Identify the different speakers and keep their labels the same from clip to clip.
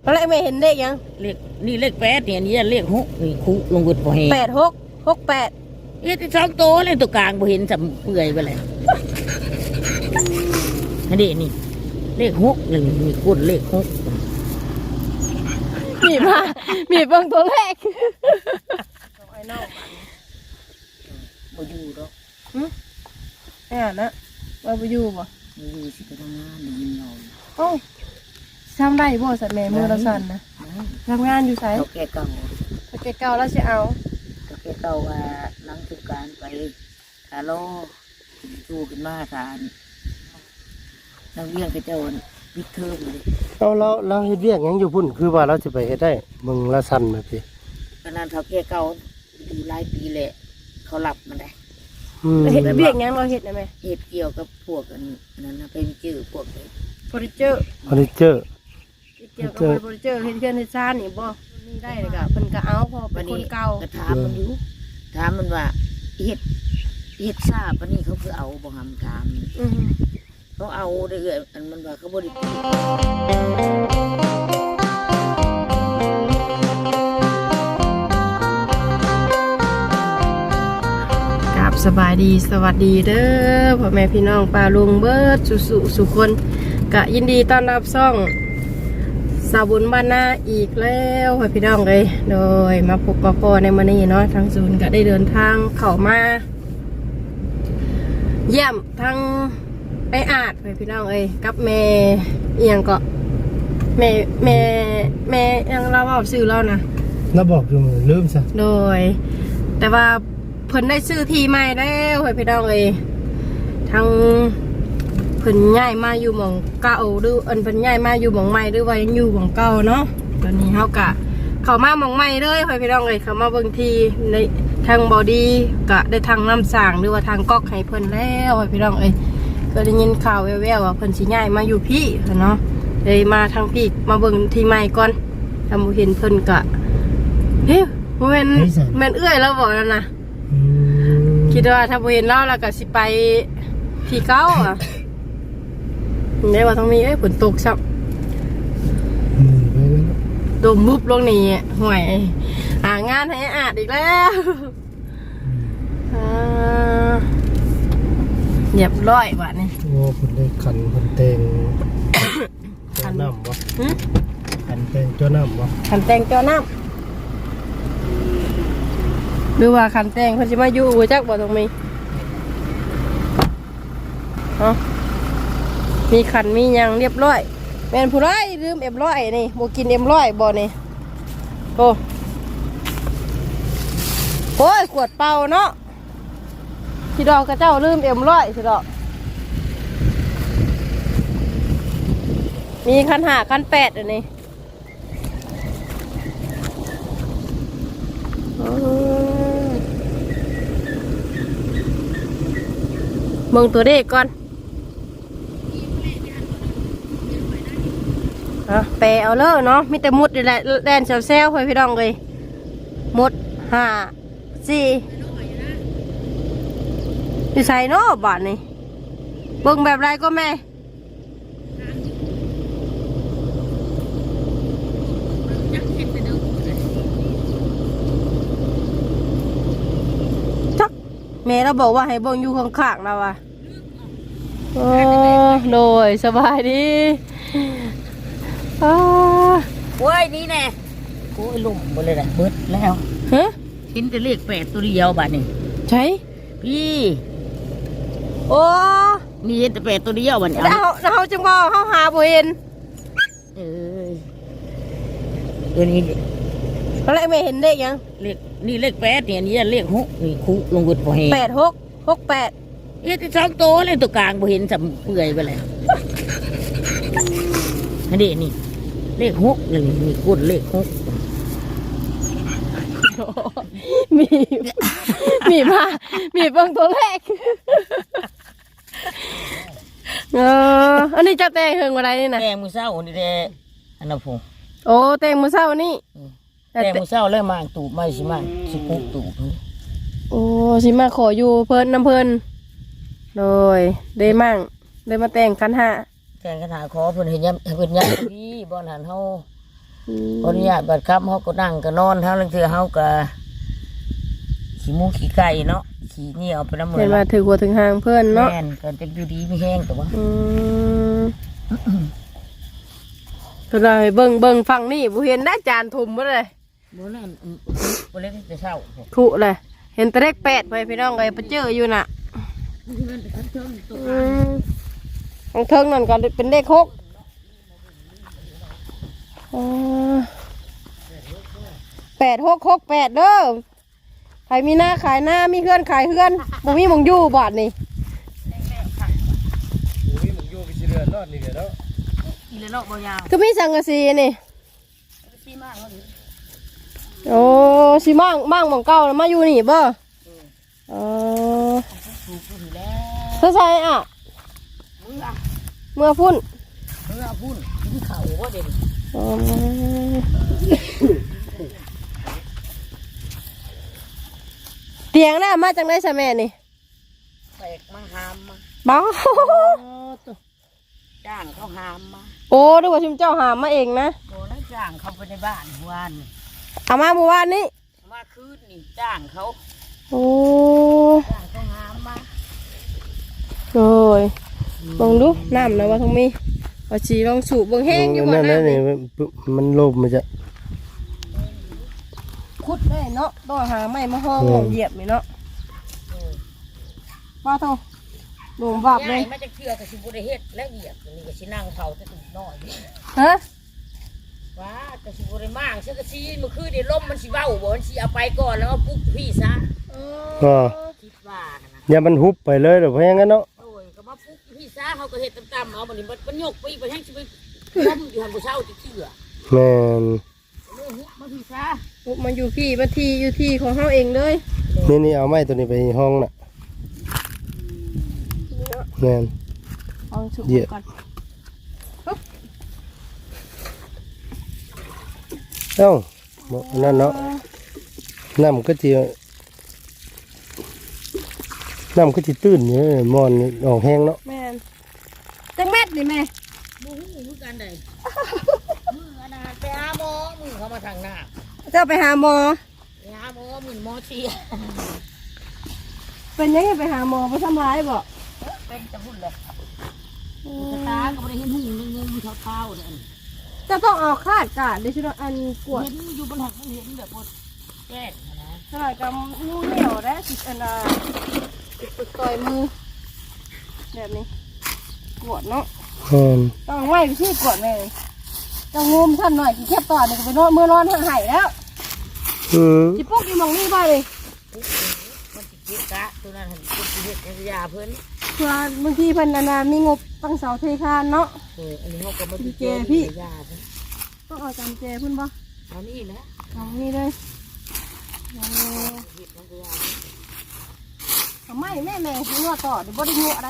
Speaker 1: อะไรไม่เห็นเลขยัง
Speaker 2: เลขนี่เลขแปดเนี่ยนี่เลขหกนี่คุลงกุดบ่เห็น
Speaker 1: 8 6 6 8
Speaker 2: เอ๊ะที่สองโตเลยตัวกลางบ่เห็นสำเปื่อยไปเลยอันนี้นี่เลขหกนี่มีกุดเลขหก
Speaker 1: มีเบิ่งตัวเลขไอ้น้อง
Speaker 2: บ่อยู่ดอก
Speaker 1: นะว่าบ่อยู่บ่
Speaker 2: บ่อยู่สิไปทำงานได้ยินเรา
Speaker 1: โอ้ทำได้บ่สัตว์แม่มือเราสั่นนะทำงานอยู่ไส
Speaker 2: เขาแก่เก่า
Speaker 1: แล้วสิเอา
Speaker 2: เขาแก่เก่าว่าหลังสุการไปทาโลสู้ขึ้นมาทานนักเรียนกระโจนปิดเทอมเลย
Speaker 3: เราเฮ็ดเวียกหยังอยู่พุ่นคือว่าเราจะไปเฮ็ดได้มึงละสั่นมาพี่
Speaker 2: ขนาดเขาแก่เก่าอยู่หลายปีแหละเขาหลับมาได้
Speaker 1: เฮ็ดเวียกยังเราเฮ็ดนะแม่
Speaker 2: เฮ็ดเกี่ยวกับพวกนั้นนะเป็นจื้อพวก
Speaker 1: เฟอร์นิเจอร์เกี่ยวกับเฟอร์นิเจอร์เฮ็ดเฮือนเฮ็ดซ่านนี่บ่นี่ได้เลยก็เพิ่นก็เอาพอเป็นคนเก่า
Speaker 2: ก็ถามมันอยู่ถามมันว่าเฮ็ดซ่าปานนี้เขาคือเอาบ่หำถามเขาเอาได้เอื้ออันมันว่าเขาบ่ได้ปิด
Speaker 1: สบายดีสวัสดีเด้อพ่อแม่พี่น้องป้าลุงเบิดสุคนกะยินดีต้อนรับซ่องสาวบุญบ้านนาอีกแล้วพ่อพี่น้องเลยโดยมาพบปะปอในมื้อนี้เนาะทางศูนย์ก็ได้เดินทางเข้ามาเยี่ยมทางไปอาดพ่อพี่น้องเอ้ยกับแม่เอียงก็แม่ยังเราเอาชื่อเรานะ
Speaker 3: เราบอกอยู่ลืมซะ
Speaker 1: โดยแต่ว่าเพิ่นได้ซื้อที่ใหม่แล้วพี่น้องเอ้ยทางเพิ่นย้ายมาอยู่หม่องเก่าหรือเพิ่นย้ายมาอยู่หม่องใหม่หรือว่ายังอยู่หม่องเก่าเนาะตอนนี้เฮากะเข้ามาหม่องใหม่เลยพี่น้องเอ้ยเข้ามาเบิ่งที่ในทางบอดี้กะได้ทางน้ำสางหรือว่าทางก๊อกให้เพิ่นแล้วพี่น้องเอ้ยก็ได้ยินข่าวแว่วๆว่าเพิ่นสิย้ายมาอยู่พี่เนาะเลยมาทางพี่มาเบิ่งที่ใหม่ก่อนถ้าบ่เห็นเพิ่นกะเฮ้ยบ่แม่นเอื้อยแล้วบ่นั่นน่ะคิดว่าถ้าเห็นเล่าแล้วก็สิไปที่เก้าอ่ะได้ว่าต้องมีฝนตกซับดมมุบลงนี่ห่วยหางานให้อาดอีกแล้วเรียบร้อยว่ะนี่
Speaker 3: โอ้คนได้คนเตงขันน้ำวะขันเตงเจ้าน้ำวะ
Speaker 1: ขันเตงเจ้าน้ำหรือว่าขันแตงเขาจะมาอยู่จักบ่ตรงนี้มีขันมียังเรียบร้อยแม่นผู้ร้ายลืมM100นี่โบกินM100บ่นี่โอ้ยขวดเปล่าเนาะที่ดอกกระเจ้าลืมM100สิดอกมีขัน5ขัน8อันนี้เบิ่งตัวเลขก่อนแปลเอาเลยเนาะมีแต่มุดนี่แหละแดนเซลๆพี่น้องเลยมุด5 4อยู่ใส่เนาะบาทนี่เบิ่งแบบไรก็แม่แม่เราบอกว่าให้เบิ่งอยู่ข้างๆเราอ่ะโอ้โดยสบายดี
Speaker 2: โอ้ยนี่แน่โอ้ยลุ่มหมดเลยนะเบิดแล้วชิ้นจะเลข8ตัวเดียวบัดนี่
Speaker 1: ใช่
Speaker 2: พี่
Speaker 1: โอ้
Speaker 2: นี่แต่8ตัวเดียวบัดนี่
Speaker 1: เราจังว่าเขาหาบ่เห็น
Speaker 2: ตัวนี้
Speaker 1: อะไรไม่เห็นเลขยัง
Speaker 2: เลขนี่เลข8เนี่ยนี่เลข6นี่คุลงกุดบ่เห็น
Speaker 1: 8 6 6 8
Speaker 2: เอ๊ะที่สองโตเลยตัวกลางบ่เห็นสำเปื่อยไปเลยอันนี้นี่เลข6นี่มีกุดเลข6
Speaker 1: มีเบิ่งตัวเลขอันนี้จะแต่งเฮิงอะไรนี่นะ
Speaker 2: แต่งมือเศร้านี่แหละอันนั้นผม
Speaker 1: โอ้แต่งมือเศร้านี่
Speaker 2: แต่มือเศร้าเลยมาตูบไม่สิมาสิปุ๊บตูบ
Speaker 1: โอ้สิมาขออยู่เพิ่นน้ำเพิ่นโดยได้มั่งได้มาแต่งขันห้า
Speaker 2: แต่งขันหาขอเพิ่นเห็นยังเพิ่นยังพี่บอลหันเฮาพออนุญาตบัดค่ำเขาก็นั่งก็นอนเท่าลังเทือเขาก็ขี้หมูขี้ไก่เนาะขี้เหนียวไปน้ำมือ
Speaker 1: เห็นว่าถือหัวถึงหางเพื่อนเนาะ
Speaker 2: แม่นก็จะอยู่ดีไม่แห้งแต่ว่า
Speaker 1: ก็เลยเบิ่งฝั่งนี่บ่เห็นได้จานทุ่มบ่เลย
Speaker 2: บ่นั่นบ่เล็กจะเศร้า
Speaker 1: ถูเลยเห็นแต่เลข8ไปพี่น้องเอ้ยไปเจออยู่น่ะทางเทิงนั่นก็เป็นเลข68668เด้อใครมีหน้าขายหน้ามีเพื่อนขายเพื่อนบ่มีหมองอยู่บาดนี่
Speaker 3: อุ้ยมึงอยู่ไปสิเรือนรอดนี่เนาะ
Speaker 2: อีเลเนาะบ่ยาว
Speaker 1: คือมีสังกะสีนี่
Speaker 2: ซีมากเลย
Speaker 1: โอ้สิมั่งหมองเก่าแล้วมาอยู่นี่บ่
Speaker 2: ถูกอยู่แล้ว
Speaker 1: เธอใส่อ่ะเมื่อพุ่น
Speaker 2: เมื่อพุ่นกินข้าวบ่เด่น
Speaker 1: เตียงน่ะมาจากไหนซะแม่นี่
Speaker 2: แตกมาหามมา
Speaker 1: บ้า
Speaker 2: จ้างเขาหามมา
Speaker 1: โอ้ดูว่าชิมเจ้าหามมาเองนะ
Speaker 2: โดนแล้วจ้างเขาไปในบ้านวาน
Speaker 1: เอามาเมื่อวานนี้
Speaker 2: มาคืนนี่จ้างเขา
Speaker 1: โอ้
Speaker 2: จ้างเขาหามมา
Speaker 1: โอ้ยลองดูน้ำนะว่าทงมีเอาชีลองสูบเบิ่งแห้งอยู่บ่
Speaker 3: นั่น
Speaker 1: น้ำ
Speaker 3: นี่
Speaker 1: นี่
Speaker 3: มันลมมันจะ
Speaker 1: ขุดได้เนาะต้องหาไม้มาห้องของเหยียบนี่เนาะว่าโทหลวงบาปเลย
Speaker 2: มาจากเชือกกับสิบุได้เฮ็ดและเหยียบนี่ก็สินั่งเผาจะตุ่มน้อย
Speaker 1: ฮะ
Speaker 2: ว้าก็สิบุได้มั่งเชือกซีเมื่อคืนนี่ลมมันสิเว้าบ่มันสิเอาไปก่อนแล้วมาปลุกพี่ซะ
Speaker 3: ก็
Speaker 2: คิดว่านะ
Speaker 3: อย่ามันหุบไปเลยเดี๋ยวเพราะงั้นเนาะ
Speaker 2: โอ้ยก็มาปลุกพี่ซะเขาก็เฮ็ดต่ำๆเอาบัดนี้มันยกไปอีกไปแห้งสิไปล้มอยู่หันบ่เช้าติเชือก
Speaker 3: แม่น
Speaker 2: เลยฮุบมาพี่ซะ
Speaker 1: ปุ๊บมาอยู่พี่มาทีอยู่ที่ของเขาเองเลย
Speaker 3: นี่เอาไม้ตัวนี้ไปห้องน่ะแม่น
Speaker 1: เอาสูบก่อน
Speaker 3: เอ้านั่นเนาะน้ำก็จะตื้นอยู่มอนออกแห้งเนาะ
Speaker 1: แม่นจังแม็ดนี่แม่
Speaker 2: บ่ฮู้คือกันได้มืออันน่ะไปหาหมอมือเขามาทางหน้า
Speaker 1: เจ้าไปหาหมอ
Speaker 2: ไปหาหมอมือหมอเสีย
Speaker 1: เป็นยังไงไปหาหมอไปทำร้ายบ่
Speaker 2: เป็นจะพุ่นเลยสตาก็ไม่ได้เห็นหุ่นงงเท้าๆเนี่ย
Speaker 1: จะต้องเอาคาดกาดดิฉันอันกวด
Speaker 2: เห็นอยู่บนหักมันเห็นแบบว่าแก้นะ
Speaker 1: เท่าไหร่กับงูเหนียวได้สิอันน่ะติดต่อยมือแบบนี้กวดเนาะ
Speaker 3: แม่น
Speaker 1: ต้องไว้ไปที่กวดแม่เลยต้องงมท่านหน่อยกินแคบต่อนี่ก็ไปนอนเมื่อนอนห่างหายแล้ว จิปุ๊กอีมองนี่บ้าเลย
Speaker 2: มันติดกิกะตัวนั้นเห็นคนที่เห็ดยาเพิ่น
Speaker 1: เพื่อบางทีเพิ่นนามีงบตั้งเสาเทคานเนาะ
Speaker 2: อันนี้เขาก็มาติดยาเพิ่น
Speaker 1: ต้องเอาจำเจเพิ่นบ่
Speaker 2: เอานี่แหละ
Speaker 1: เอานี่เลย
Speaker 2: เห็ดน้ำยา
Speaker 1: ทำไมแม่หัวต่อเดี๋ยวบ่ได้หัวอะไร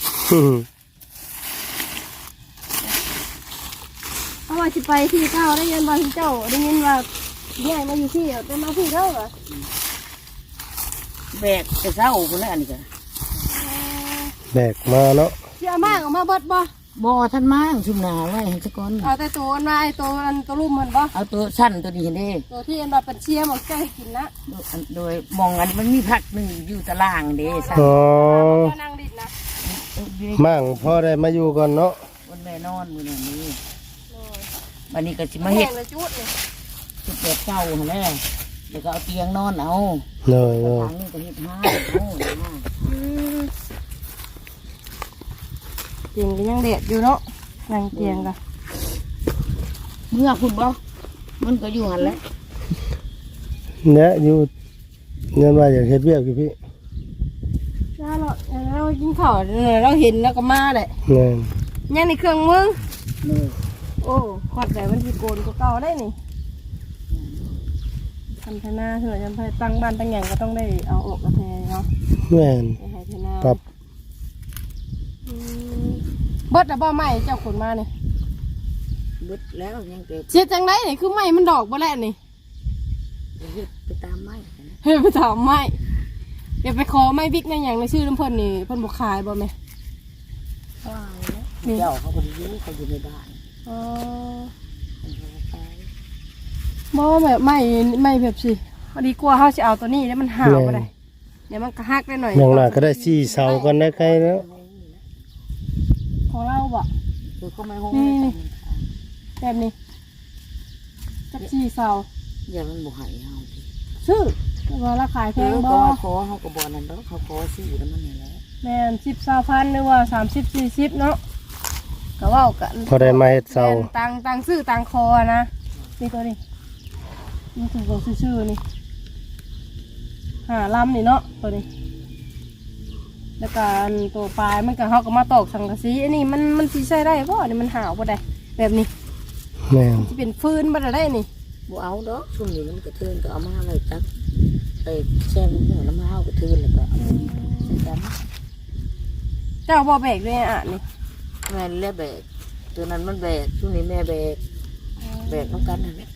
Speaker 1: เพราะว่าสิไปที่เจ้าได้ยินว่าที่เจ้าได้ยินว่าใหญ่มาอยู่ที่เป็นมาที่เจ้าเหรอ
Speaker 2: แบกจะเศร้าคนละอันนี้กัน
Speaker 3: แบกมาเนาะ
Speaker 1: เชื่อมากออกมาเบิดบ่
Speaker 2: บ่ท่านมั่งชุมนาไว้เห็นสักก้อน
Speaker 1: เอาแต่ตัวอันมาไอ้ตัวอันตัวลุ่มมันบ่
Speaker 2: เอาตัวสั้นตัวนี้เห็นดิ
Speaker 1: ตัวที่อันแบบเป็นเชียร์หมดใจกินนะ
Speaker 2: โดยมองอันมันมีผักหนึ่งอยู่ตารางเด้สั้น
Speaker 3: อ๋อ
Speaker 1: ก็นั่งดิดนะ
Speaker 3: มั่งพ่อได้มาอยู่ก่อนเนาะ
Speaker 2: บนแม่นอนมือนี้วันนี้ก็สิมา
Speaker 1: มา
Speaker 2: เห็
Speaker 1: เห็
Speaker 2: ด
Speaker 1: ดเลยจุดนี่
Speaker 2: จุดเด็ดเก่าแน่เดี๋ยวก็เอาเตียงนอนเอา
Speaker 3: เลย
Speaker 2: ทางนี้ก็เห็ดห้าเอานะ
Speaker 1: เตียงก็ยังเด็ดอยู่เนาะนั่งเตียงกัน
Speaker 2: เมื่อคุณบ่มันก็อยู่หันแหล้ว
Speaker 3: เนี่ยอยู่เงินว่าอยากเฮ็ดเวียกอยู่พี่
Speaker 1: ถ้าเรากินข้าวเราเห็นแล้วก็มาเลย
Speaker 3: แม่น
Speaker 1: ยังในเครื่องมือ
Speaker 2: เลย
Speaker 1: โอ้ขอดแต่มันที่โกนก็เก่าได้นี่ทำธนาเถอะยังไปตั้งบ้านตั้งอย่างก็ต้องได้เอาออกกระแทเนาะ
Speaker 3: แม่น
Speaker 1: ไปให้ธนา
Speaker 3: ปรับ
Speaker 1: เบิดแต่บ่ไม้เจ้าขนมาเนี่ย
Speaker 2: บึดแล้วยังเกิด
Speaker 1: เสียจังไรนี่คือไม้มันดอกบ่แล้วนี่
Speaker 2: เฮ็ดไปตามไม้นะ
Speaker 1: เฮ้ยไปถามไม้เดี๋ยวไปขอไม้บิ๊กในอย่างในชื่อน้ำเพิ่นนี่เพิ่นบอกขายบ่ไหม
Speaker 2: ว้าวแล้วเจ้าเขาคนอยู่เขาอยู่ในบ้าน
Speaker 1: อ๋อ
Speaker 2: เขาไป
Speaker 1: บ่แบบไม่แบบสิพอดีกลัวเฮาสิเอาตัวนี้แล้วมันห่าวบ่ได้เดี๋ยวมันก็หักได้หน่อย
Speaker 3: อย่างหน้าก็ได้4เสากันได้ใครแล้ว
Speaker 1: ของเราบ่
Speaker 2: คือก็ไม่ห้อง
Speaker 1: แบบนี้จัก4เสา
Speaker 2: อย่ามันบ่ให้เฮาสิ
Speaker 1: ซื้อแต่ว่าราคาแพง
Speaker 2: ก็
Speaker 1: บ่
Speaker 2: ว่าขอเฮาก็บ่นั่นดอกเขาขอซื้อแล้วมันนี่แหละ
Speaker 1: แม่น10-20,000หรือว่า30 40เนาะก็เว้ากัน
Speaker 3: พอได้มาเฮ็ดเสา
Speaker 1: แม่นตังซื้อตังคอนะนี่ตัวนี้มันถูกบอกซื่อๆนี่5ลำนี่เนาะตัวนี้แล้วก็อันตัวปลายมันก็เฮาก็มาตอกสังกะสีอันนี้มันสิใช้ได้บ่นี่มันห่าวบ่ได้แบบนี้
Speaker 3: แม่น
Speaker 1: สิเป็นฟืนบ่ได้นี่
Speaker 2: บ่เอาดอกซุ่มนี้มันกระเทือนก็เอามาไว้จักไปแช่หัวน้ำเฮากระเทือนแล้วก็เอาไปใส่กัน
Speaker 1: เจ้าบ่แบกด้วยอ่ะนี่
Speaker 2: แม่เล่แบกตัวนั้นมันแบกช่วงนี้แม่แบกน้องกันนั่นแหละ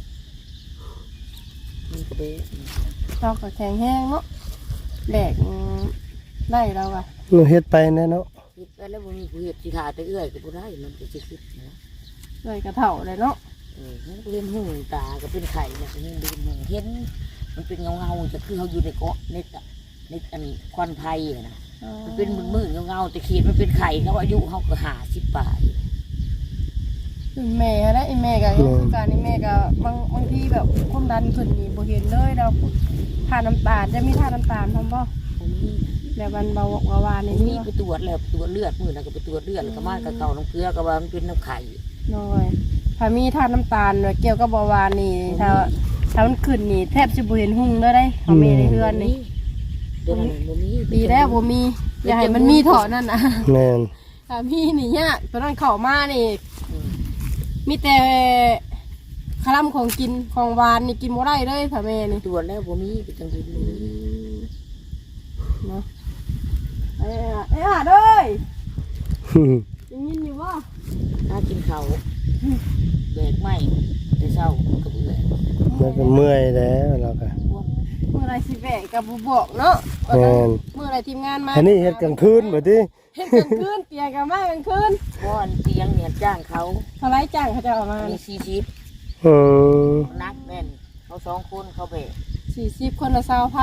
Speaker 2: มันก็แบก
Speaker 1: เจ้าก็แข็งแห้งเนาะแบกได้แล้วอ่ะ
Speaker 3: หนูเฮ็ดไปแน่เนาะ
Speaker 2: คิดไปแล้วบ่มีผู้เฮ็ดสิทาแต่เอื้อยก็บ่ได้มันก็สิคิดนะ
Speaker 1: เลยกระเถ่าเลยเนาะ
Speaker 2: มันเรียนหูตาก็เป็นไข่เนี่ยมันเรียนหูเห็นมันเป็นเงาๆจะคือเขาอยู่ในเกาะในอันควันไผ่อะนะมันเป็นมืดๆเงาๆแต่ขีดมันเป็นไข่เขาอายุเขาก็50 ปลาย
Speaker 1: คือแม่และไอ้แม่ก็ยังคือการไอ้แม่ก็บางทีแบบความดันขึ้นนี่บ่เห็นเลยเราทาน้ำตาลจะมีทาน้ำตาลพร้อมบ่
Speaker 2: ผมมี
Speaker 1: แบบวันเบาหวานนี่
Speaker 2: มี
Speaker 1: มี
Speaker 2: ไปตรวจแล้วตรวจเลือดมือนะก็ไปตรวจเลือดแล้วก็มากับเก่าน้ำเกลือก็ว่ามันเป็นน้ำไข่
Speaker 1: น้อยถ้ามีทาน้ำตาลเกี่ยวกับเบาหวานนี่ถ้ามันขึ้นนี่แทบสิบ่เห็นหุ่งเลยได้เขาแม่ในเฮือนนี่
Speaker 2: เดี๋ยวนั้นบ่มี
Speaker 1: ดีแล้วบ่มีอย่าให้มันมีเถาะนั่นน่ะ
Speaker 3: แม่น
Speaker 1: ถ้ามีนี่ยากตอนนั้นเข้ามานี่มีแต่คลำของกินของหวานนี่กินบ่ได้เลยถ้าแม่นี่
Speaker 2: ตรวจแล้วบ่มีไปจังซี่บ่มี
Speaker 1: เนาะเอ้ยเด้ยได้ยินอยู่บ่
Speaker 2: ถ้ากินข้าวแบกไม้แต่เช้าก็เบื่อ
Speaker 3: แล้วก็เมื่อยแล้วเราก็
Speaker 1: เมื่อไรสิแบกกับบ่บอกเนาะ
Speaker 3: แม่น
Speaker 1: เมื่อไรทีมงานมา
Speaker 3: อันนี้เฮ็ดกลางคืนบ่ติ
Speaker 1: เฮ็ดกลางคืนเตียงกันมากลางคืน
Speaker 2: เพราะอันเตียงเนี่ยจ้างเขา
Speaker 1: เท่าไรจ้างเขาจะเอามา
Speaker 2: มี40
Speaker 3: อืม
Speaker 2: นักแน่นเขา2 คนเขาแบก
Speaker 1: 40คนละ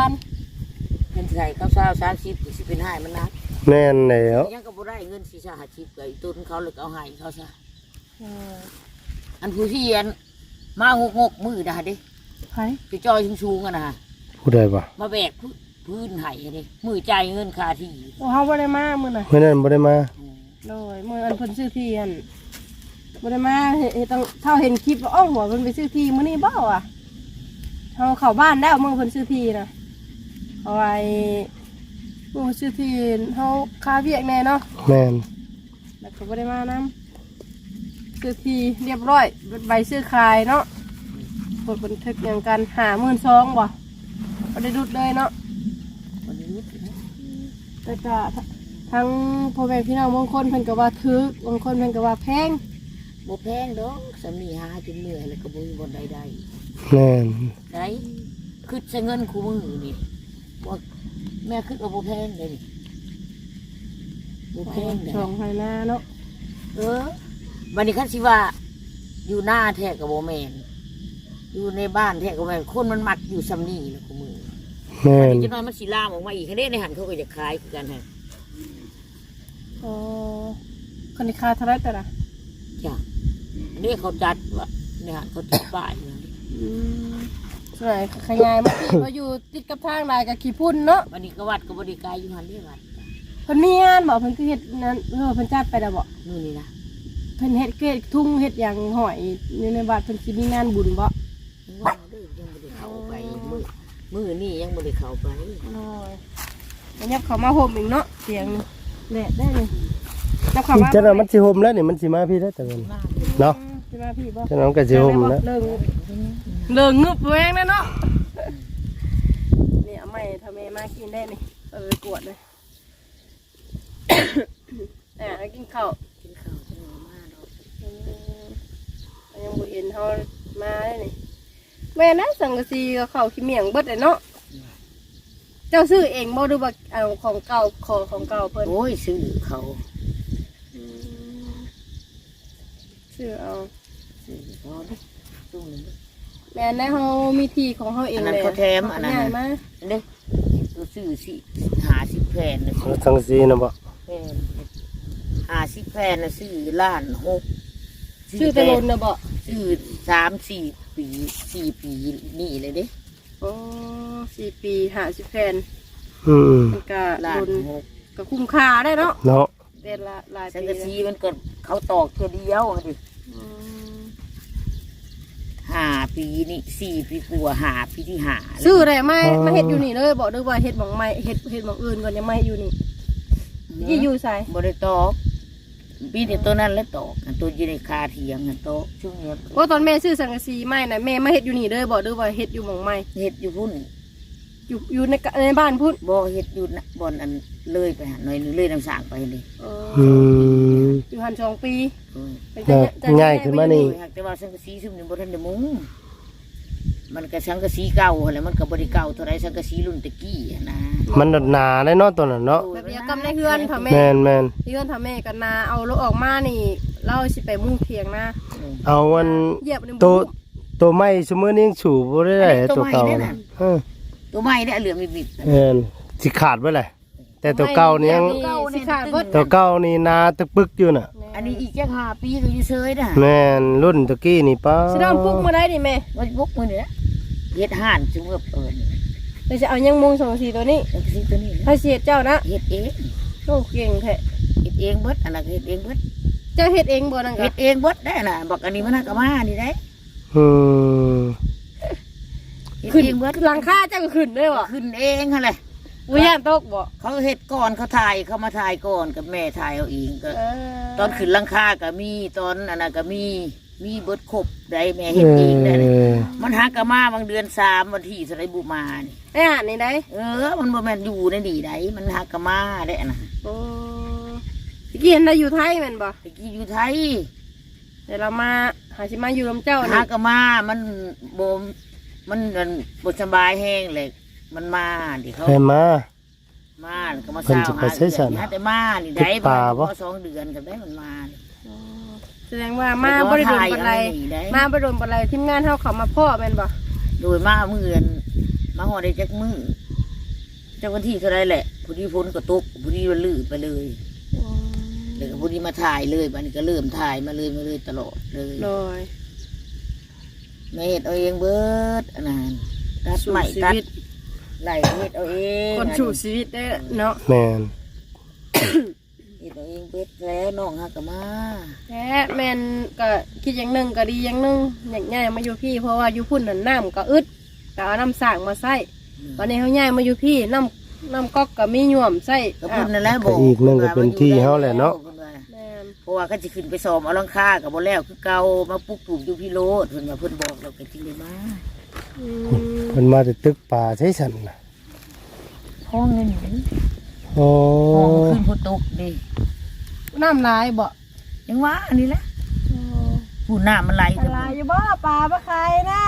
Speaker 1: 20,000
Speaker 2: เงินใส่เขา30สิเป็นให้มันนัก
Speaker 3: แม่นแล้ว
Speaker 2: ยังก็บ่ได้เงินสิ50ก็อีต้นเขาเลยเอาให้เขาซะอันผู้ที่เรียนมา6มื้อได้เด้
Speaker 1: ไผ
Speaker 2: จะจอยสูงๆอ่ะนะ
Speaker 3: ผู้ใดบ่
Speaker 2: มาแบกพื้นให้เด้มือจ่ายเงินค่าที่
Speaker 1: โอ้เฮาบ่ได้มามื้อน่ะ
Speaker 3: เมื่อนั้นบ่ได้มา
Speaker 1: โดยมื้ออันเพิ่นซื้อที่อันบ่ได้มาเฮ็ดต้องเท่าเห็นคลิปว่าอ้อหัวเพิ่นไปซื้อที่มื้อนี้บ่อ่ะเฮาเข้าบ้านแล้วมื้อเพิ่นซื้อที่น่ะเอาไว้มื้อซื้อที่เฮาคาเวียกแน่เนาะ
Speaker 3: แม่น
Speaker 1: แล้วก็บ่ได้มานำซื้อที่เรียบร้อยใบซื้อขายเนาะกดบันทึกอย่างกัน52,000บ่บ่ได้ดุดเลยเนาะ
Speaker 2: วันนี้
Speaker 1: แต่ก็ทั้งพ่อแม่พี่น้องบางคนเพิ่นก็ว่าถึกบางคนเพิ่นก็ว่าแพง
Speaker 2: บ่แพงดอกสามีหาจนเหนื่อยแล้วก็บ่มีบ่ได้ได้
Speaker 3: แม่น
Speaker 2: ได้คือใช้เงินคู่มือนี่บ่แม่คิดว่าบ่แพงเลยนี่บ่แพงเด้
Speaker 1: ช่องไฟหน้าเนาะ
Speaker 2: บัดนี้คันสิว่าอยู่หน้าแท้ก็บ่แม่นอยู่ในบ้านแท้ก็บ่แม่นคนมันมักอยู่ซำนี้แหละคู่มือ
Speaker 3: แม่
Speaker 2: อัน
Speaker 3: น
Speaker 2: นี้จะน้อยมันสิลามออกมาอีกคันนี้ในหันเขาก็จะขายคือกันฮะ
Speaker 1: อ๋อคนที่คาเท่าไรแต่ละ
Speaker 2: จ้ะอันนี้เขาจัดว่าในหันเขาจัดป้ายอย่างนี้
Speaker 1: ส่วนไหนขยายมาที่เขาอยู่ติดกับทางลายกับขี้พุ่นเนาะ
Speaker 2: วันนี้ก็วัดก็บริการอยู่หันนี่วัด
Speaker 1: เพิ่นมีงานบอกเพิ่นคือเฮ็ดนั้นเพิ่นจัดไปแล้วบ่
Speaker 2: นู่นนี่นะ
Speaker 1: เพิ่นเฮ็ดเกศทุ่งเฮ็ดอย่างหอยอยู่ในวัดเพิ่นสิมีงานบุญบ่
Speaker 2: ยังว่าเด้อยังบริเข้าไปมือนี่ยังบริเข้าไป
Speaker 1: โอ้ยอันนี้เขามาห่มอีกเนาะเสียงแดดได้เลยจับเขามา
Speaker 3: จังนั้นมันสิห่มแล้วนี่มันสิมาพี่ได้แต่เงินเนาะ
Speaker 1: สิมาพี่บ่
Speaker 3: จังนั้นมันก็สิห่มแล้ว
Speaker 1: เลิงงึบแวงแน่เนาะนี่เอาไม้ทำไมมากินได้นี่เอาไปกวดเลยแล้วกินข้าว
Speaker 2: กินข้าวจะมาดอก
Speaker 1: ยังบ่เห็นเขามาได้นี่แม่นะสังกะสีกับข้าวขี้เมียงเบิดเลยเนาะเจ้าซื้อเองบ่ดูว่าเอาของเก่าของเก่าเพิ่น
Speaker 2: โอ้ยซื้อเขา
Speaker 1: ซื้อเอา
Speaker 2: ซื้อเขาเด้อตู้นึง
Speaker 1: แม่นได้เฮามีที่ของเฮาเอง
Speaker 2: อันนั้น
Speaker 1: เลย
Speaker 2: เขาแถมอันนั้น
Speaker 1: ง่ายมา
Speaker 2: เด้ตัวซื้อสิ50แผ่นน่ะ
Speaker 3: ทั้งสีนะบ่
Speaker 2: แผ่น50แผ่นน่ะซื้อล้าน6
Speaker 1: ชื่อตะลนน่ะบ่
Speaker 2: ซื้อ3-4 ปี4 ปีนี่เลยเด้
Speaker 1: โอ้4 ปี50แผ่น
Speaker 3: อืม
Speaker 1: มันก็
Speaker 2: ล้า
Speaker 1: ล
Speaker 2: น
Speaker 1: น
Speaker 2: 6
Speaker 1: ก็คุ้มค่าได้เนาะ
Speaker 3: เนาะ
Speaker 1: เป็นละหลาย
Speaker 2: สัง
Speaker 1: ปี
Speaker 2: กะสีมันก็เขาตอกเท่าเดียวดิ
Speaker 1: อืม
Speaker 2: 5 ปีนี่4 ปีกว่า5 ปีที่5
Speaker 1: ซื้อได้มาเฮ็ดอยู่นี่เลยบอกด้วยว่าเฮ็ดหม่องใหม่เฮ็ดหม่องอื่นก่อนยังไม่อยู่นี่ยี่อยู่ไส
Speaker 2: บ่ได้ตอกปีนี้ตัวนั้นแล้วตอกอันตัวอยู่ในคาเถียงอันโตะช่วงนี้
Speaker 1: โอ้ตอนแม่ซื้อสังกะสีใหม่น่ะแม่มาเฮ็ดอยู่นี่เลยบอกด้วยว่าเฮ็ดอยู่หม่องใหม่
Speaker 2: เฮ็ดอยู่พุ่น
Speaker 1: อยู่ในบ้านพุ่น
Speaker 2: บ่เฮ็ดอยู่นะบ่อนอันเลยไปหาหน่อยนึงเลยน้ำสางไปเลย
Speaker 1: เอ
Speaker 3: อื
Speaker 1: อ
Speaker 3: ม
Speaker 1: อยู่หัน2 ปี
Speaker 2: เออ
Speaker 3: ง่ายขึ้นมานี่
Speaker 2: หากแต่ว่าสังกะสีซุมนี้บ่ทันได้มุงมันก็สังกะสีเก่าหั่นแหละมันก็บ่ได้เก่าเท่าไรสังกะสีรุ่นตะกี้อะนะ
Speaker 3: มันหนาได้เนาะตัวนั้นเนาะ
Speaker 1: แบบเดียวกับในเฮือนถ้าแม่
Speaker 3: แมน
Speaker 1: เฮือนถ้าแม่กันนาเอารถออกมานี่เราสิไปมุ่งเถียงนะ
Speaker 3: เอาวัน
Speaker 1: เหยียบใน
Speaker 3: ตัวไม้สมมือนี้ยังฉูบ่ได้ตัวเก่านะเออ
Speaker 2: ตัวใหม่เนี่ยเหลืองบิด
Speaker 3: แมนสิขาดไว้เลยแต่ตัวเก่านี่ยัง
Speaker 1: สิขาดเบิด
Speaker 3: ตัวเก่านี่นาตะปึกอยู่น่ะ
Speaker 2: อันนี้อีกจัก5 ปีก็อยู่เฉยนะ
Speaker 3: แมนรุ่นตะกี้นี่ป้า
Speaker 1: สิเริ่มปลุกมาได้ดิแม่
Speaker 2: ว่าบุกมื้อนี้นะเฮ็ดห่านจุ่มกับ
Speaker 1: เราจะเอายังมุง2 4ตัวนี้
Speaker 2: สังกะสีตัวนี้นะ
Speaker 1: ให้เสียเจ้านะ
Speaker 2: เฮ็ดเอง
Speaker 1: โอ้เก่งแท้
Speaker 2: เฮ็ดเองเบิดอันนั้นก็เฮ็ดเองเบิด
Speaker 1: เจ้าเฮ็ดเองบ่นั่นก็
Speaker 2: เฮ็ดเองเบิดได้น่ะบอกอันนี้มันก็มานี่ได้
Speaker 3: อืม
Speaker 2: เฮ็ด
Speaker 1: ขึ้น
Speaker 2: เองเบิด
Speaker 1: หลังคาเจ้าก็ขึ้นได้บ่
Speaker 2: ขึ้นเองหั่นแหละ
Speaker 1: บ่ย่านตกบ่
Speaker 2: เขาเฮ็ดก่อนเขาถ่ายเขามาถ่ายก่อนกับแม่ถ่ายเอาเองก็
Speaker 1: เอ
Speaker 2: ตอนขึ้นหลังคาก็มีตอนอันนั้นก็มีเบิดครบได้แม่เฮ็ดเองได้นี่มันหากะมาบางเดือน3วันที่สไลบุมานี่
Speaker 1: ไอ้ห่านนี่ได้
Speaker 2: มันบ่แม่นอยู่ในนี่ได้มันหากะมาได้น่ะ
Speaker 1: โอ้ตะกี้เห็นได้อยู่ไทยแม่นบ่
Speaker 2: ตะกี้อยู่ไทย
Speaker 1: แต่เรามาหาสิมาอยู่ลำเจ้า
Speaker 2: หา
Speaker 1: นี่
Speaker 2: กะมามันมันบ่สบายแห้งเลยมันมาดิเขา
Speaker 3: ให้มา
Speaker 2: มาแล้วก็มา
Speaker 3: เพิ่น
Speaker 2: เศร้า
Speaker 3: จะไปใช้สรร
Speaker 2: หาแต่มานี่ได้
Speaker 3: ติดป่าบ่
Speaker 2: พอ2 เดือนกับได้มันมานี่
Speaker 1: แสดงว่ามาบ่ได้โดนปานใด
Speaker 2: ได้
Speaker 1: มาบ่ได้โดนปานใดทีมงานเฮาเข้ามาพ่อแม่นบ่
Speaker 2: โดยมามื้ออื่นมาฮอดได้จักมื้อจักวันที่เท่าไรแหละผู้ที่พ้นก็ตกผู้ที่ลื่นไปเลยแล้วก็ผู้ที่มาถ่ายเลยบัดนี้ก็เริ่มถ่ายมาเลยตลอดเลย
Speaker 1: โดย
Speaker 2: แม่เฮ็ดเอาเองเบิดอันนั้นตัด
Speaker 1: สู่
Speaker 2: ไม้
Speaker 1: ชี
Speaker 2: ตัด
Speaker 1: วิต
Speaker 2: ไล่เฮ็ดเอาเอง
Speaker 1: คนสู่ชีวิตได้เนาะ
Speaker 3: แมน
Speaker 2: เฮ็ดเอาเองเบิดแล้วน้องฮักก็มา
Speaker 1: แท้แม่นก็คิดอย่างหนึงก็ดีอย่างหนึงอยากย้ายมาอยู่พี่เพราะว่าอยู่พุ่นน่ะน้ำก็อึดก็เอาน้ำสร้างมาใส่ตอนนี้เฮาย้ายมาอยู่พี่น้ำก๊อกก็มีหย่วมใส่
Speaker 2: ก็เพิ่นนั่นแหละบอก
Speaker 3: อีกนึงก็เป็นที่เฮาแหละเนาะ
Speaker 1: แม่น
Speaker 2: เพราะว่าเขาสิขึ้นไปซ้อมเอาหลังคาก็บ่แล้วคือเก่ามาปลูกปลูกอยู่พี่โลดเพิ่นว่าเพิ่นบอกเราก็จริงได้มา
Speaker 1: อืม
Speaker 3: มันมาแต่ตึกป่าใช้สันน่ะ
Speaker 2: ห้องนี่
Speaker 3: โอ้
Speaker 2: ห้องขึ้นพุตกดิ
Speaker 1: น้ำลายบ่
Speaker 2: ยังว่าอันนี้แหละผู้น้ำมันไหล
Speaker 1: ลายอยู่บ่ปลาบ่ใครนะ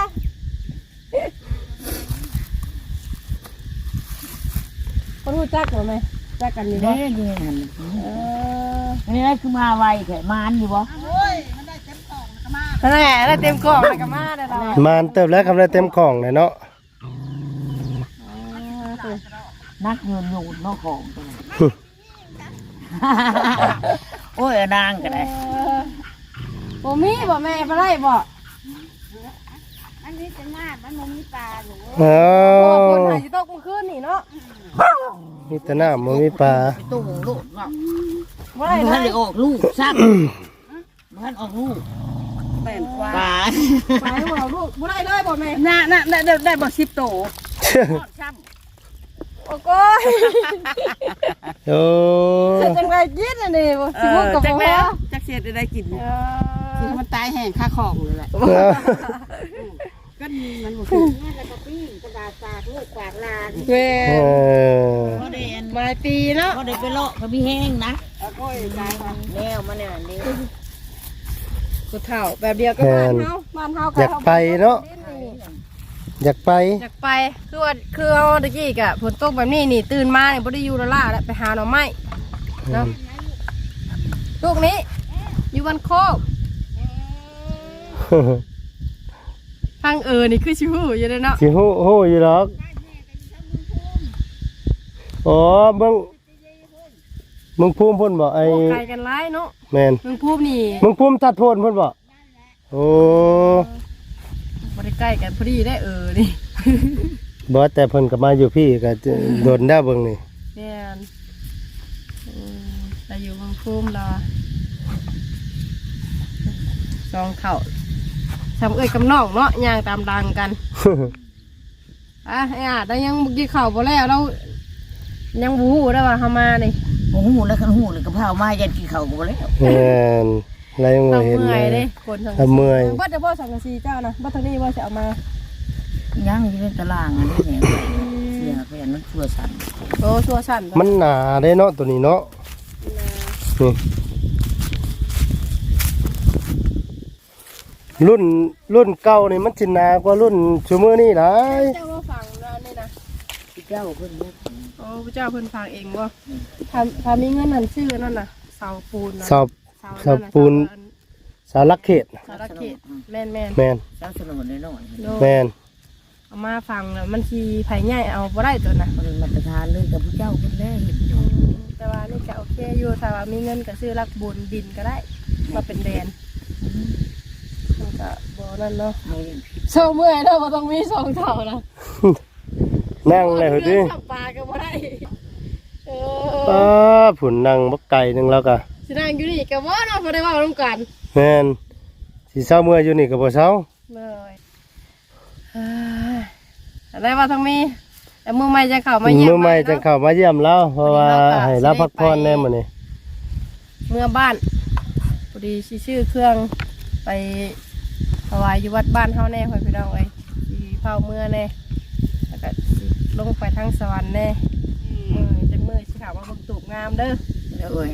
Speaker 1: คนรู้จักบ่แม่จักกันอยู่บ่
Speaker 2: เด้อยู่ในนั้น
Speaker 1: เออ
Speaker 2: อันนี้คือมาไวแท้มานอยู่บ่
Speaker 1: นั่นแหละได้เต็มกล่องแล้วก็มาได้เรา
Speaker 3: มานเติบแล้วกำลังเต็มของเลยเนาะ
Speaker 2: นักโยนเนาะของตัวนั้นโอ้ยนางก็ได้
Speaker 1: บ่มีบ่แม่บ่ได้บ่
Speaker 4: อันนี้จะมามันบ่มีปลาหนู
Speaker 3: อ้า
Speaker 1: เพราะว่าคน
Speaker 3: ว
Speaker 1: หาสิตกเมื่อคืนนี่เนาะ
Speaker 3: มีแต่น้ำมันมีปลา
Speaker 2: ไปตู้ลูกเนาะ
Speaker 1: บ่
Speaker 2: มัน
Speaker 1: ได้
Speaker 2: ได้
Speaker 1: เลย
Speaker 2: ออกลูกซ้ำมันออกลูก
Speaker 1: แม่นกว่า
Speaker 2: ปลา
Speaker 1: ไปบ่เอาลูกบ่ได้เลยบ่แม่
Speaker 2: น่ะได้บ่10 โตซ้ำ
Speaker 1: โอ้โก้ย
Speaker 3: โอ้
Speaker 1: จังไดกินอันนี้บ่สิบ่กับบ่
Speaker 2: จักเสียได้กิน
Speaker 1: เอ
Speaker 2: กิน
Speaker 1: อ
Speaker 2: มันตายแห้งค่าของเลยแหละก็มันบ่คือ
Speaker 4: นี่แล้วก็ปิ้งกระดาษสากลูกกวาดลาน
Speaker 1: แม่
Speaker 3: เออ
Speaker 2: บ่ได้อัน
Speaker 1: ปลายปีเนาะ
Speaker 2: บ่ได้ไปเลาะเขามีแห้งนะแนวมันเนี่ยนี่
Speaker 1: ผู้เฒ่าแบบเดียวกับบ้านเฮา
Speaker 3: อยากไปเนาะอยากไป
Speaker 1: อยากไปคือเอาตะกี้กะฝนตกแบบนี้นี่ตื่นมาเนี่ยบ่ได้อยู่ละล่าแล้วไปหาหน่อไม้เนาะลูกนี้อยู่บ้านโคกฟังนี่คือชิวอยู่เลยเนาะ
Speaker 3: สิฮู้อยู่หรอกอ๋อเมืองภูมิพุ่นบ่ไอ้
Speaker 1: โอ้ไกลกันหลายเนาะ
Speaker 3: แม่น
Speaker 1: เมืองภูมินี่
Speaker 3: เมืองภูมิทัดโทนพุ่นบ่โอ้
Speaker 1: บ่ได้ใกล้กันพอดีได้นี่
Speaker 3: บ่แต่เพิ่นก็มาอยู่พี่ก็โดนได้เบิ่งนี่
Speaker 1: แม่นแต่อยู่เมืองภูมิเราสองเข่าทำกับน้องเนาะย่างตามดังกันได้ยังบุกี้เข่าบ่แล้วเรายังบูฮู้ได้ว่าเฮามานี่
Speaker 2: โอ้โหแล้วคันหูเลยกระเพรามายันกินข้าวกูบ่แล้ว
Speaker 3: แม่นอะไรยังบ่
Speaker 1: เรา
Speaker 3: เห็น
Speaker 1: เมื่
Speaker 3: เล
Speaker 1: อย
Speaker 3: ย
Speaker 1: เด้คนสัง
Speaker 3: ถ้าเมื่อย
Speaker 1: บ่จะบ่สังกะสีเจ้านะบ่ทางนี้ว่าจะเอามา
Speaker 2: ยังอยู่ในตารางอันนี้เนี่ยเสียเพื่อนมันชั่วสั่น
Speaker 1: โอ้ชัวสั่น
Speaker 3: มันหนาได้เนาะตัวนี้เนาะนี่รุ่นเก่านี่มันสิหนากว่ารุ่นซุมื้อนี้หลาย
Speaker 1: เจ้าว่าฟังแล้วนี่นะ
Speaker 2: พี่เจ้าเพิ่นบ่
Speaker 1: โอ้พระเจ้าเพิ่นฟังเองบ่ถ้ามีเงินนั่นชื่อนั่นน่ะเสาปูนนะ
Speaker 3: สอบสอบปูน สารักเขต
Speaker 1: สารเขตแม่น
Speaker 3: แม่น
Speaker 2: เจ้าสนุนน้อย
Speaker 3: แม่น
Speaker 1: เอามาฟังแล้วมันสิไผใหญ่เอาบ่ได้ตัวน่ะ
Speaker 2: ๆมันมาตรฐานเลยกับพี่เจ้าเพิ่นแลเฮ็ดอยู่
Speaker 1: แต่ว่านี่ก็โอเคอยู่ถ้าว่ามีเงินก็ซื้อรักบุญดินก็ได้มาเป็นแดนมันก็บ่นั่นเนาะ
Speaker 2: ไม่ได้
Speaker 1: โซ่เมื่อยเนาะบ่ต้องมีสองเท่านะ
Speaker 3: นั่งเลยเฮ้ย
Speaker 1: จับปลาก็บ่ได้
Speaker 3: ป้าผุนนั่งบักไก่หนึงแล้วก็
Speaker 1: สินั่งอยู่นี่ก็บ่เนาะบ่ได้เว้านำกัน
Speaker 3: แม่นสิเช้าเมื่ออยู่นี่ก็บ่เช้า
Speaker 1: เลยอะไรว่าทั้งมีแต่มือใหม่จะเข้ามาเยี่ยม
Speaker 3: มื้อใหม่จังเข้ามาเยี่ยมเราเพราะว่าให้เราพักผ่อนแน่มื้อนี้
Speaker 1: เมื่อบ้านพอดีชื่อเครื่องไปถวายอยู่วัดบ้านเฮาแน่พ่อพี่น้องเอ้ยสิเผาเมื่อแน่แล้วก็สิลงไปทางสวรรค์แน่จังมือสิข่าวว่าบักตูบงามเด้อ
Speaker 2: แล้วเอ้ย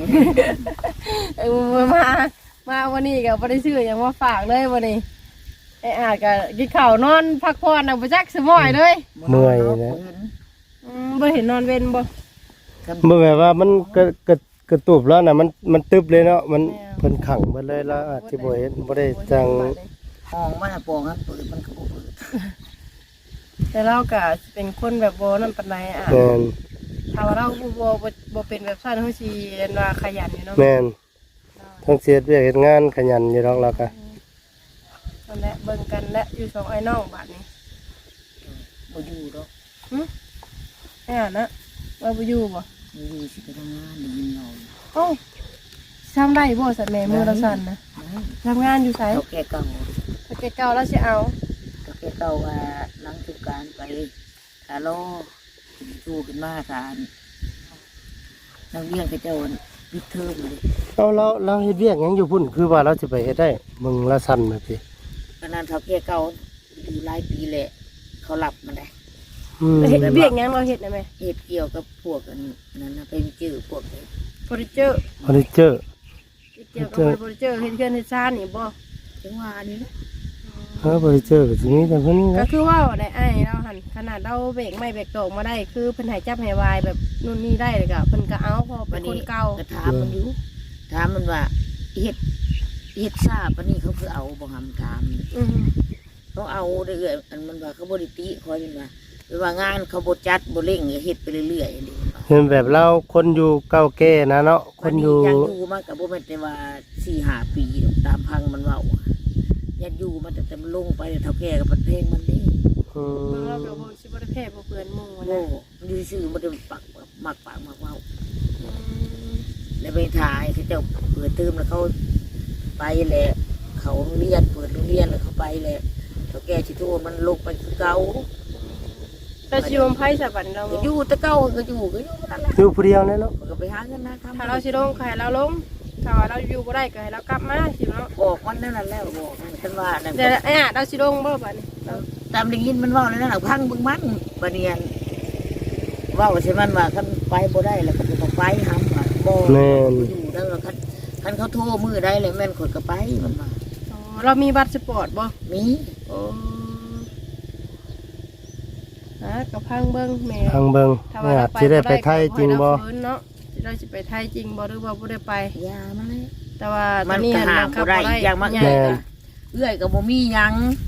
Speaker 1: มาวันนี้ก็บ่ได้ซื้อหยังมาฝากเลยวันนี้ไอ้อาจก็กินข้าวนอนพักผ่อนเอาไปจักสมอยเลย
Speaker 3: เมื่อยนะ
Speaker 1: บ่เห็นนอนเว้นบ่
Speaker 3: บ่แบบว่ามันกระตุบแล้วน่ะมันตึบเลยเนาะมันเพิ่นขังเบิดเลยแล้วอาจสิบ่เห็นบ่ได้จัง
Speaker 2: ห้องมันปองครับเปิดมันก็บ่เปิด
Speaker 1: แต่เราก็เป็นคนแบบบ่นั่นปานใดอ่ะ
Speaker 3: แม่น
Speaker 1: ถ้าว่าเราบ่เป็นแบบซั่นเฮาสิเรียนว่าขยันอยู่เนาะ
Speaker 3: แม่นทั้งเสียเวียกเฮ็ดงานขยันอยู่ดอกแล้วก็
Speaker 1: นั่นแหละเบิ่งกันและอยู่สองไอ้น้องบัดนี้
Speaker 2: บ่อยู่ดอก
Speaker 1: ไอ้นะว่าบ่อยู่บ่
Speaker 2: บ่อยู่สิไปทำงานได้ยินเรา
Speaker 1: เอ้าทำได้บ่สัตว์แม่มือเราสั่นนะทำงานอยู่ไส
Speaker 2: เขาแก่เก่า
Speaker 1: ถ้าแกเก่าแล้วสิเอา
Speaker 2: เขาแก่เก่าว่าหลังสุการไปขาโลสู้ขึ้นมาสารนักเรียนเขาเจ้าปิดเทอมเลย
Speaker 3: เอาเราเฮ็ดเวียกหยังอยู่พุ่นคือว่าเราสิไปเฮ็ดได้มึงละสั่นแบบนี้
Speaker 2: ขนาดเขาแก่เก่าอยู่หลายปีแหละเขาหลับมาได้
Speaker 1: เฮ็ดเวียกหยังเราเฮ็ดได้ไหม
Speaker 2: เหตุเกี่ยวกับพวกอันนั้นนะไปจื้อพวกนี้
Speaker 1: เฟอร์นิเจอร์
Speaker 3: เฟอร์นิเจอร์
Speaker 1: เกี่ยวกับเฟอร์นิเจอร์เฮ็ดเฮือนเฮ็ดซ่านนี่บ่
Speaker 2: จังหวะนี้นะ
Speaker 3: เฟอร์นิเจอร์ก็สิมีแต่เพิ่น
Speaker 1: ก็
Speaker 3: นะ
Speaker 1: คือว่าได้ไอ้เราหันขนาดเราเบรกไม่เบรกตกมาได้คือเพิ่นให้จับให้วายแบบนู่นนี่ได้เลยก็เพิ่นก็เอาพอเป็นคนเก่า
Speaker 2: ก็ถามมันอยู่ถามมันว่าเฮ็ดทราบปะนี่เขาคือเอาบ่หำถาม เขาเอาเรื่อยๆอันมันว่าเขาบริติคอยมันว่าหรือว่างานเขาบดจัดบดเร่งเฮ็ดไปเรื่อยๆอย่างนี้
Speaker 3: เห็นแบบเราคนอยู่เก่าแก่นะเนาะคนอยู่
Speaker 2: ยังอยู่มากับบ่แม่นแต่ว่า4-5 ปีดอกตามพังมันเว้ายังอยู่มาแต่มันลงไปเท่าแก่กับประเทศมันนี่
Speaker 3: อืม
Speaker 1: เราแบบว่าสิบ่ได้แพ้บ่เปื้อนหมู่
Speaker 2: โง่
Speaker 1: นะ
Speaker 2: มันอยู่ซื่อมันมักมักปากมักเว้าแล้วไปถ่ายเขาเจ้าเปิดเทอมแล้วเขาไปแหละเขาโรงเรียนเปิดโรงเรียนแล้วเขาไปแหละเท่าแก่สิโทษมันลงไปคือเก่า
Speaker 1: แต่สิวมไผสะบันเรา
Speaker 2: ก็อยู่แต่เก่าก็อยู่นั่นแหละ
Speaker 3: อยู่ผู้เดียวเลยเนาะ
Speaker 2: มันก็ไปหาเงินนะทำ
Speaker 1: ถ้าเราสิลงก็ให้เราลงถ้าว่าเราอยู่บ่ได้ก็ให้เรากลับมาสิเนาะ
Speaker 2: บอกมันนั่นแหละแล้วบอกมันฉันว่านั่น
Speaker 1: แต่ไอ้อะเราสิลงบ่บัดนี้
Speaker 2: ตามได้ยินมันเว่าเลยนั่นแหละพังบึงมันบะเนียนเว่าใช่มันว่าคันไปบ่ได้แล้วก็ต้องไปหำว่าบ่
Speaker 3: แม่น
Speaker 2: อยู่แล้วคันเขาโทรมือได้เลยแม่นคนก็ไปมันว่า
Speaker 1: อ๋อเรามีบัตรสปอร์ตบ่
Speaker 2: มี
Speaker 1: โอ้กับพังเบิ้งแม่
Speaker 3: ทางเบิง
Speaker 1: ถ้า
Speaker 3: เนี่
Speaker 1: ว่าย เรา
Speaker 3: สิได้ไปไทยจริงบ่
Speaker 1: เราฟื้นเนาะเราสิไปไทยจริงบ่หรือว่าบ่ได้ไป
Speaker 2: ยามันเลย
Speaker 1: แต่ว่าต
Speaker 2: มั
Speaker 1: อน นนี้
Speaker 2: ก็หา
Speaker 1: บังคั
Speaker 2: บ่
Speaker 1: บ
Speaker 2: ได้
Speaker 1: บ่ได้
Speaker 2: อย่างมาเอื้อยก็บ่มีหยัง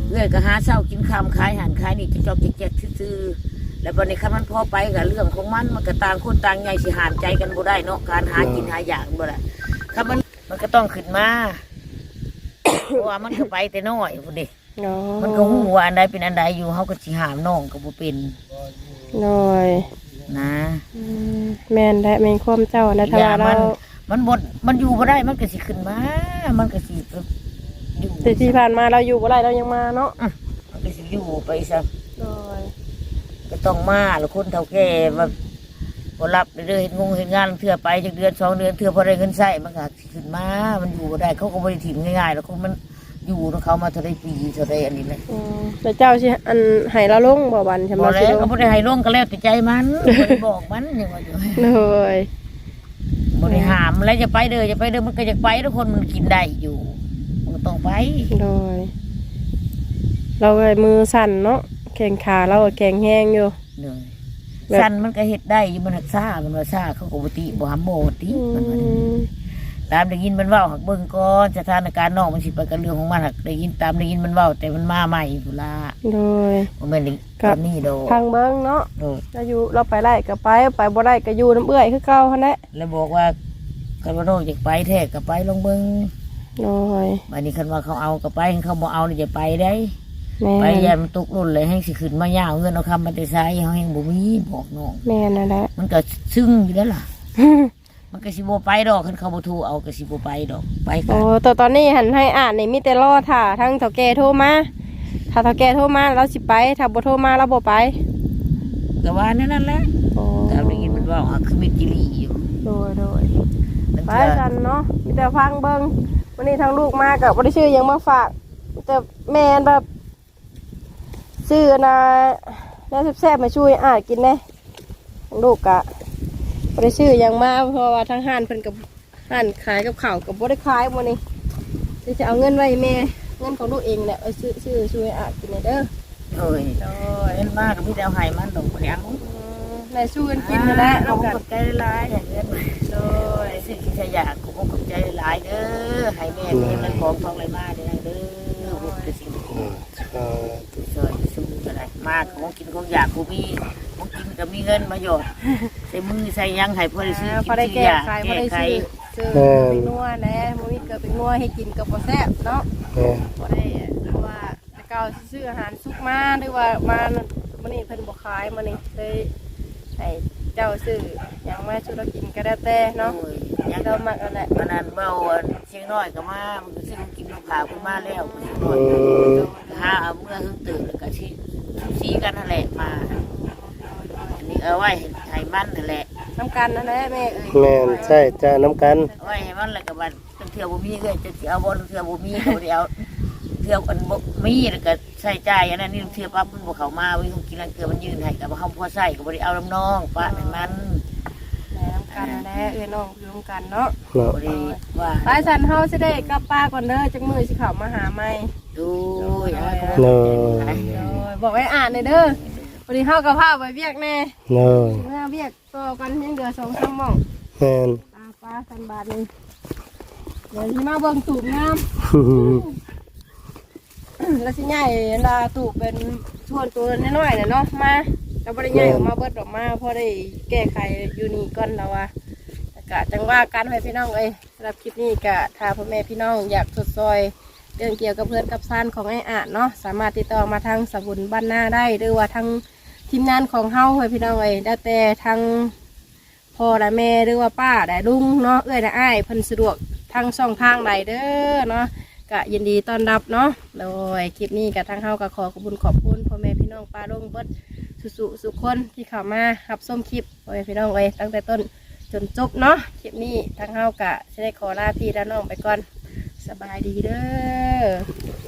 Speaker 2: เอื้อยก็หาเช้ากินค่ำขายหันขายนี่จะจอกแจกซื่อๆแล้วบัดนี้คันมันพอไปก็เรื่องของมันก็ต่างคนต่างใหญ่สิหามใจกันบ่ได้เนาะการหากินหาอย่างบ่ได้คันมันก็ต้องขึ้นมาเพราะว่ามันก็ไปแต่น้อยพุ่นเด้
Speaker 1: เนาะ
Speaker 2: มันก็ฮู้ว่าอันใดเป็นอันใดอยู่เฮาก็สิหามน้องก็บ่เป็น
Speaker 1: น้อย
Speaker 2: นะ
Speaker 1: แม่นและแม่นความเจ้านะถ้าว่าเรา
Speaker 2: มันอยู่บ่ได้มันก็สิขึ้นมามันก็สิอยู่
Speaker 1: แต่ที่ผ่านมาเราอยู่บ่ได้เรายังมาเนาะ
Speaker 2: มันก็สิอยู่ไปซะ
Speaker 1: น้อย
Speaker 2: ก็ต้องมาแล้วคนเฒ่าแก่ว่าบ่รับเด้อเฮ็ดเฮ็ดงานเทื่อไปจักเดือน2เดือนเทื่อพอได้เงินใช้มันก็สิขึ้นมามันอยู่บ่ได้เขาก็บ่ได้ถิ่มง่ายๆแล้วก็มันอยู่ของเขามาเท่าใดปีเท่าใดอันนี้แหละ
Speaker 1: แต่เจ้าสิอันให้เราลงบ่วันใช่ไหม
Speaker 2: บ่แล้วก็บ่ได้ให้ลงก็แล้วแต่ใจมันบ่ได้บอกมันยังว่าอยู่
Speaker 1: เลย
Speaker 2: บ่ได้ห้ามแล้วจะไปเด้อจะไปเด้อมันก็อยากไปทุกคนมันกินได้อยู่มันก็ต้องไป
Speaker 1: เลยเราก็มือสั่นเนาะแข้งขาเราก็แข็งแห้งอยู่
Speaker 2: เลยสั้นมันก็เฮ็ดได้อยู่มันหักซ่ามันว่าซ่าเขาก็บ่ติบ่หำโมติมันว่าตามได้ยินมันเว้าหักเบิ่งก่อนสถานการณ์น้องมันสิไปกับเรื่องของมันหักได้ยินตามได้ยินมันเว้าแต่มันมาใหม่พุ่นล่ะ
Speaker 1: เลย
Speaker 2: บ่แม่นตอนนี้ดอก
Speaker 1: ทางเบิ้งเนาะ
Speaker 2: โดด
Speaker 1: เราอยู่เราไปได้ก็ไปไปบ่ได้ก็อยู่น้ำเอื้อยคือเก่าหั่นแหละ
Speaker 2: แล้วบอกว่าคันว่าน้องอยากไปแท้ก็ไปลองเบิ่ง
Speaker 1: เลย
Speaker 2: บัดนี้คันว่าเขาเอาก็ไปคันเขาบ่เอานี่จะไปได้
Speaker 1: แม่
Speaker 2: ไป
Speaker 1: น
Speaker 2: ยามมันตกรุ่นเลยให้สิขึ้นมายาวเงินเอาคำมาแต่ไสเฮาแฮงบ่มีบอกน้อง
Speaker 1: แม่นนั่นแหละ
Speaker 2: มันก็ซึ้งอยู่แล้วล่ะ มันก็สิบ่ไปดอกคันเขาบ่โทรเอาก็สิบ่ไปดอกไปกั
Speaker 1: โอ้
Speaker 2: น
Speaker 1: ตอนนี้หันให้อ่านนี่มีแต่รอถ่าทั้งเฒ่าแก่โทรมาถ้าเฒ่าแก่โทรมาเราสิไปถ้าบ่โทรมาเราบ่ไป
Speaker 2: ก็ว่านั่นแหละ
Speaker 1: โอ้
Speaker 2: แต่ได้ยินมันว่าคือมีกิริอยู่
Speaker 1: โดยโดย
Speaker 2: มัน
Speaker 1: ไป
Speaker 2: เถื่อ
Speaker 1: กันเนาะมีแต่ฟังเบิ่งวันนี้ทางลูกมากับบ่ได้ชื่อหยังมาฝากแต่แม่นแบบซื้อนะแล้วแซ่บๆมาช่วยอ่านกินแน่ทางลูกกะบ่ได้ชื่อหยังมาเพราะว่าทางห้านเพิ่นกับห้านขายกับข้าวกับบ่ได้ขายมื้อนี้สิจะเอาเงินไว้ให้แม่เงินของลูกเองแหละเอาซื้อช่วยอ่านกินเด้อ
Speaker 2: โอ้ยโอ้ยเล่นมากก็มีแต่เอาให้มันดอกบ่ได้เอา
Speaker 1: ได้สู้กันกินนั่นแหละ
Speaker 2: เรา
Speaker 1: นำกัน
Speaker 2: ขอบใจหลายอย่างเงี้ยโอ้ยสิ่งที่ขยะกูขอบใจหลายเด้อให้แม่เงินมันของทองไหลมาเด้อเด้อบุญคือสิ่งที่ช่วยสู้ก็ได้มากของกินของอยากกูมีของกินก็มีเงินมาหยอดใส่มือใส่ยังให้พอได้ซื้อ
Speaker 1: พอได้แก้ไขพอได้
Speaker 2: ไข
Speaker 1: ซื้อเป็นนัวแน่มื้อนี้เกิดเป็นนัวให้กินกับบ่แซ่บเนาะ บ่ได้เพราะว่าแต่เก่าซื้ออาหารสุกมาหรือว่ามามื้อนี้เพิ่นบ่ขายมื้อนี้เลยให้เจ้าซื้อหยังมาสู่เรากินก็ได้แต่เนาะ
Speaker 2: ยัง
Speaker 1: เรามักนั่นแหละ
Speaker 2: มันนั้นเบาเชียงน้อยก็มามันก็ซื้อกินลูกค้าขึ้นมาแล้วเชียงน้อยหาเอาเมื่อเพิ่งตื่นแล้วก็ชี้กันนั่นแหละมาอันนี้เอาไว้ให้มันนั่นแหละ
Speaker 1: น้ำกันนั่นแหละแม่เอ้ย
Speaker 3: แม่นใช่จ้าน้ำกัน
Speaker 2: เอาไว้ให้มันแล้วก็บัดเที่ยวบ่มีเลยจะเอาบ่เที่ยวบ่มีก็บ่ได้เอาเที่ยวกันบ่มีแล้วก็ใช้จ่ายอันนั้นนี่เที่ยวปั๊บมันบ่เข้ามาวิ่งกินแล้วเกลือมันยืนให้ก็บ่เฮาพอใช้ก็บ่ได้เอาน้ำน้องป้าให้มัน
Speaker 1: น้ำกันนั่นแหละเอ้ยน้องอยู่ร่วมกันเนาะ
Speaker 3: เนาะ
Speaker 2: บ่ได้ว่า
Speaker 1: ไปสันเฮาสิได้กลับป้าก่อนเด้อจักมื้อสิเข้ามาหาใหม่
Speaker 2: ดูอะไรก็
Speaker 3: เนา
Speaker 2: บ่
Speaker 3: ะ
Speaker 1: โดยบอกให้อ่านหน่อยเด้อวันนี้เฮาก็พาไปเวียกแน่
Speaker 3: เนาะ
Speaker 1: เมื่อเวียกต่อกันยังเหลือ2-3หม่อง
Speaker 3: แม่น
Speaker 1: ป้าสันบาทนึงเดี๋ยวสิมาเบิ่งตูบน้ำ แล้วสิใหญ่ลาตูบเป็นชวนตัวน้อยๆน่ะเนาะมาเราบ่ได้ใหญ่ออกมาเบิดออกมาพอได้แก้ไขอยู่นี่ก่อนแล้วว่าแต่กะจังว่ากันให้พี่น้องเอ้ยสำหรับคลิปนี้กะถ้าพ่อแม่พี่น้องอยากสดซอยเรื่องเกี่ยวกับเพื่อนกับซ่านของไอ้อาจเนาะสามารถติดต่อมาทางสมุนบ้านหน้าได้หรือว่าทางทีมงานของเฮาให้พี่น้องเอ้ยได้แต่ทางพ่อและแม่หรือว่าป้าและลุงเนาะเอ้ยและอ้ายเพิ่นสะดวกทางช่องทางใดเด้อเนาะ ก็ยินดีต้อนรับเนาะโดยคลิปนี้กับทางเฮาก็ขอบคุณพ่อแม่พี่น้องป้าลุงเบิดสุคนที่เข้ามารับชมคลิปพ่อแม่พี่น้องไว้ตั้งแต่ต้นจนจบเนาะคลิปนี้ทางเฮาก็จะได้ขอลาพี่และน้องไปก่อนสบายดีเด้อ